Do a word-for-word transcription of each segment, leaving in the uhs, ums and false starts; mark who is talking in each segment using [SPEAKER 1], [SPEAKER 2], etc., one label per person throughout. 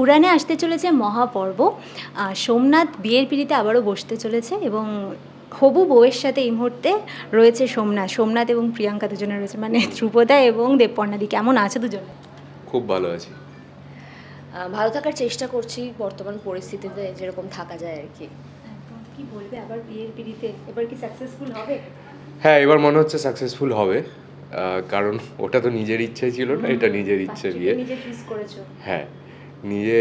[SPEAKER 1] উড়ানে আসতে চলেছে মহাপর্ব। সোমনাথ বিয়ের পিঁড়িতে আবারও বসতে চলেছে এবং হবু বউয়ের সাথে এই মুহূর্তে রয়েছে সোমনাথ সোমনাথ এবং প্রিয়াঙ্কা দুজনে রয়েছে, মানে ধ্রুপদা এবং দেবপর্ণাদি। কেমন আছে দুজনে?
[SPEAKER 2] খুব ভালো আছি।
[SPEAKER 3] ভালো থাকার চেষ্টা করছি বর্তমান পরিস্থিতিতে যেরকম থাকা যায় আর কি।
[SPEAKER 1] কি বলবে আবার বিয়ের পিঁড়িতে এবার কি সাকসেসফুল হবে?
[SPEAKER 2] হ্যাঁ, এবার মনে হচ্ছে সাকসেসফুল হবে, কারণ ওটা তো নিজের ইচ্ছাই ছিল না, এটা নিজের ইচ্ছে বিয়ে।
[SPEAKER 1] নিজে চুজ করেছো?
[SPEAKER 2] হ্যাঁ, নিজে।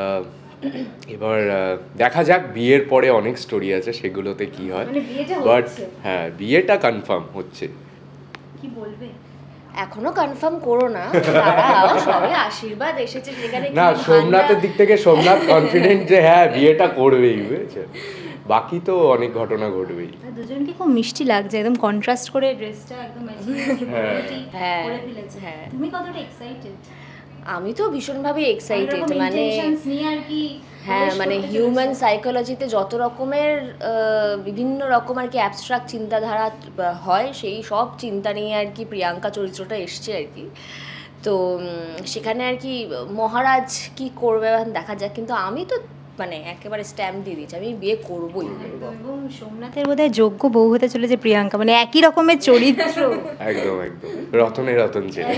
[SPEAKER 2] এবার দেখা যাক, বিয়ের পরে অনেক স্টোরি আছে, সেগুলোতে কি হয়।
[SPEAKER 1] মানে বিয়েটা
[SPEAKER 2] বাট
[SPEAKER 1] হচ্ছে?
[SPEAKER 2] হ্যাঁ, বিয়েটা কনফার্ম হচ্ছে।
[SPEAKER 1] কি বলবে?
[SPEAKER 3] এখনো কনফার্ম করো না, দাঁড়াও, সবে আশীর্বাদ এসেছে যেখানে
[SPEAKER 2] না,
[SPEAKER 3] কি
[SPEAKER 2] সোমনাথের
[SPEAKER 3] ভান্ডার।
[SPEAKER 2] দিক থেকে সোমনাথ কনফিডেন্ট যে হ্যাঁ বিয়েটা করবেই, বুঝেছে। বাকি তো অনেক ঘটনা ঘটবেই।
[SPEAKER 1] আর দুজনকে খুব মিষ্টি লাগছে, একদম কন্ট্রাস্ট করে ড্রেসটা একদম
[SPEAKER 3] হ্যাঁ,
[SPEAKER 1] করে ফেলেছে।
[SPEAKER 3] হ্যাঁ।
[SPEAKER 1] তুমি কতটা এক্সাইটেড?
[SPEAKER 3] আমি তো ভীষণভাবে এক্সাইটেড, মানে
[SPEAKER 1] নিয়ে আর কি।
[SPEAKER 3] হ্যাঁ, মানে হিউম্যান সাইকোলজিতে যত রকমের আহ, বিভিন্ন রকম আর কি অ্যাবস্ট্রাক্ট চিন্তাধারা হয়, সেই সব চিন্তা নিয়ে আর কি প্রিয়াঙ্কা চরিত্রটা এসছে আর কি। তো উম, সেখানে আর কি মহারাজ কি করবে দেখা যাক, কিন্তু আমি তো মানে একেবারে স্ট্যাম্প দিয়ে দিচ্ছি, আমি বিয়ে করবোই করবো।
[SPEAKER 1] এবং সোমনাথের বোধহয় যোগ্য বউ হতে চলেছে প্রিয়াঙ্কা, মানে একই রকমের চরিত্র।
[SPEAKER 2] একদম একদম রতনে রতন ছেলে।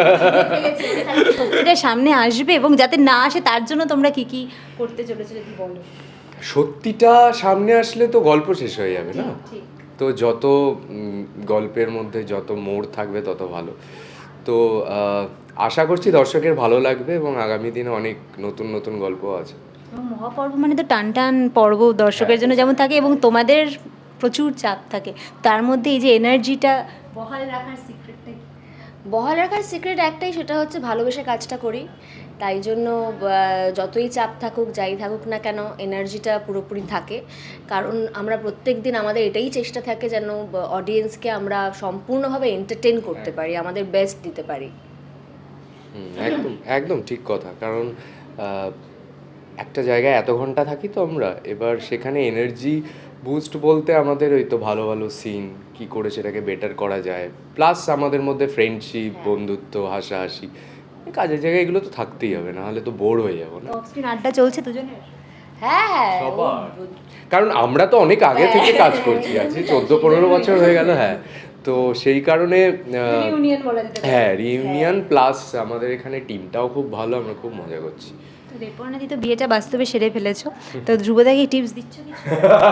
[SPEAKER 1] সত্যিটা সামনে আসবে, এবং যাতে না আসে তার জন্য তোমরা কি কি করতে চলেছো যদি বলো।
[SPEAKER 2] সত্যিটা সামনে আসলে তো গল্প শেষ হয়ে যাবে না।
[SPEAKER 1] ঠিক।
[SPEAKER 2] তো যত উম, গল্পের মধ্যে যত মোড় থাকবে তত ভালো। তো আহ, আশা করছি দর্শকের ভালো লাগবে এবং আগামী দিনে অনেক নতুন নতুন গল্প আছে।
[SPEAKER 1] এবং মহাপর্ব মানে তো টান টান পর্ব দর্শকের জন্য যেমন থাকে, এবং তোমাদের প্রচুর চাপ থাকে, তার মধ্যে এই যে এনার্জিটা বহাল রাখার সিক্রেটটা কি?
[SPEAKER 3] বহাল রাখার সিক্রেট একটাই, সেটা হচ্ছে ভালোবেসে কাজটা করি, তাই জন্য আহ, যতই চাপ থাকুক যাই থাকুক না কেন এনার্জিটা পুরোপুরি থাকে। কারণ আমরা প্রত্যেক দিন আমাদের এটাই চেষ্টা থাকে যেন অডিয়েন্সকে আমরা সম্পূর্ণভাবে এন্টারটেন করতে পারি, আমাদের বেস্ট দিতে পারি।
[SPEAKER 2] হুম, একদম একদম ঠিক কথা। কারণ আহ, একটা জায়গায় এত ঘন্টা থাকি তো আমরা, এবার সেখানে এনার্জি বুস্ট বলতে আমাদের ওই তো ভালো ভালো সিন কি করে সেটাকে বেটার করা যায়, প্লাস আমাদের মধ্যে ফ্রেন্ডশিপ, বন্ধুত্ব, হাসাহাসি, এই কাজের জায়গায় এগুলো তো থাকতেই হবে, না হলে তো বোর হয়ে যাবো না।
[SPEAKER 1] অফ স্ক্রিন আড্ডা চলছে দুজনের?
[SPEAKER 3] হ্যাঁ হ্যাঁ,
[SPEAKER 2] সবার। কারণ আমরা তো অনেক আগে থেকে কাজ করছি, আছি চোদ্দো পনেরো বছর হয়ে গেল। হ্যাঁ, তো সেই কারণে আহ,
[SPEAKER 1] রিউনিয়ন বলা যেতে পারে।
[SPEAKER 2] হ্যাঁ, রিউনিয়ন প্লাস আমাদের এখানে টিমটাও খুব ভালো, আমরা খুব মজা করছি।
[SPEAKER 1] তো দেবপর্ণাদি তো বিয়েটা বাস্তবে সেরে ফেলেছো, তো ধ্রুবদাকে টিপস দিচ্ছ কিছু?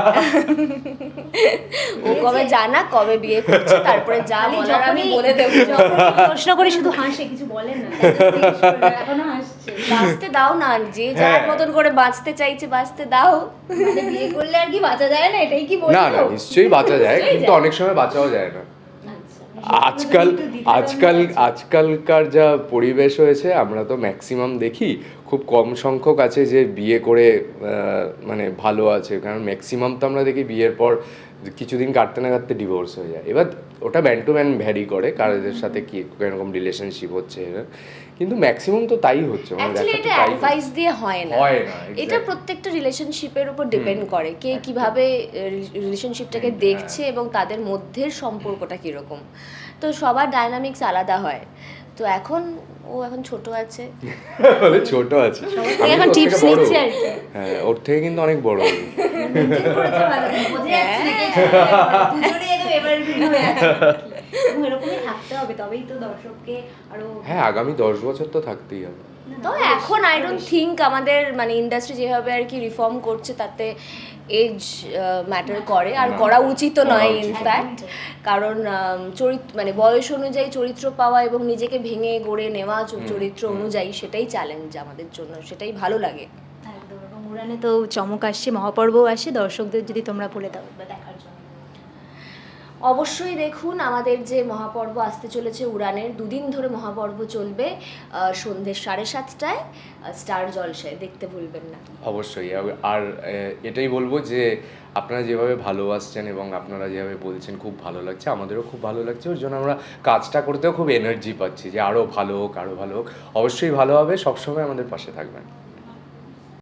[SPEAKER 3] ও কবে জানা কবে বিয়ে করছে, তারপরে যা
[SPEAKER 1] খালি
[SPEAKER 3] বলার আমি
[SPEAKER 1] যখনই-
[SPEAKER 3] বলে দেবো।
[SPEAKER 1] যখনই প্রশ্ন করে শুধু হাসে, কিছু বলেন না। এখনো হাসছে।
[SPEAKER 3] বাঁচতে দাও না, যে যার
[SPEAKER 2] হ্যাঁ।
[SPEAKER 3] মতন করে বাঁচতে চাইছে বাঁচতে দাও।
[SPEAKER 1] মানে বিয়ে করলে আর কি বাঁচা যায় না, এটাই কি বলছো?
[SPEAKER 2] না না, নিশ্চয়ই বাঁচা যায়, কিন্তু অনেক সময় বাঁচাও যায় না। আজকাল আজকাল আজকালকার যা পরিবেশ হয়েছে, আমরা তো ম্যাক্সিমাম দেখি খুব কম সংখ্যক আছে যে বিয়ে করে আহ, মানে ভালো আছে, কারণ ম্যাক্সিমাম তো আমরা দেখি বিয়ের পর কিছুদিন কাটতে না কাটতে ডিভোর্স হয়ে যায়। এবার ওটা ম্যান টু ম্যান ভ্যারি করে কারোদের সাথে কি এরকম রিলেশনশিপ হচ্ছে, কিন্তু ম্যাক্সিমাম তো তাই হচ্ছে। মানে
[SPEAKER 3] অ্যাকচুয়ালি
[SPEAKER 2] দেখা তো
[SPEAKER 3] এটা
[SPEAKER 2] তাই
[SPEAKER 3] অ্যাডভাইস দিয়ে হয় না,
[SPEAKER 2] হয় না,
[SPEAKER 3] এটা
[SPEAKER 2] exactly.
[SPEAKER 3] প্রত্যেকটা রিলেশনশিপের উপর ডিপেন্ড করে কে কিভাবে রিলেশনশিপটাকে দেখছে এবং তাদের মধ্যের সম্পর্কটা কীরকম। তো সবার ডায়নামিক্স আলাদা হয়। তো এখন ও এখন ছোট আছে,
[SPEAKER 2] বলে ছোট আছে, আমি
[SPEAKER 1] এখন
[SPEAKER 2] তো ওর থেকে
[SPEAKER 1] টিপস
[SPEAKER 2] বড়।
[SPEAKER 1] নিচ্ছে আর কি।
[SPEAKER 2] হ্যাঁ, ওর থেকে কিন্তু অনেক বড় আমি।
[SPEAKER 1] করেছে ভালো, বোঝা যাচ্ছে না কিছু। দুজনে একদম evergreen হয়ে আছে আর কি। এবং এরকমই থাকতে হবে, তবেই তো দর্শককে আরো।
[SPEAKER 2] হ্যাঁ, আগামী দশ বছর তো থাকতেই হবে।
[SPEAKER 3] তো এখন আই ডোন্ট থিঙ্ক আমাদের মানে ইন্ডাস্ট্রি যেভাবে আর কি রিফর্ম করছে তাতে এজ ম্যাটার করে, আর করা উচিতও নয় ইনফ্যাক্ট। কারণ চরিত্র মানে বয়স অনুযায়ী চরিত্র পাওয়া এবং নিজেকে ভেঙে গড়ে নেওয়া চ- চরিত্র অনুযায়ী, সেটাই চ্যালেঞ্জ আমাদের জন্য, সেটাই ভালো লাগে।
[SPEAKER 1] একদম। এবং উড়ানে তো চমক আসছে, মহাপর্বও আসছে, দর্শকদের যদি তোমরা বলে দাও বা দেখার জন্য।
[SPEAKER 3] অবশ্যই দেখুন আমাদের যে মহাপর্ব আসতে চলেছে উড়ানের, দুদিন ধরে মহাপর্ব চলবে, আহ, সন্ধ্যে সাড়ে সাতটায় স্টার জলসায়, দেখতে ভুলবেন না।
[SPEAKER 2] অবশ্যই। আর- আর আহ, এটাই বলবো যে আপনারা যেভাবে ভালোবাসছেন এবং আপনারা যেভাবে বলছেন খুব ভালো লাগছে, আমাদেরও খুব ভালো লাগছে, ওর জন্য আমরা কাজটা করতেও খুব এনার্জি পাচ্ছি যে আরও ভালো হোক, আরও ভালো হোক। অবশ্যই ভালো হবে, সবসময় আমাদের পাশে থাকবেন।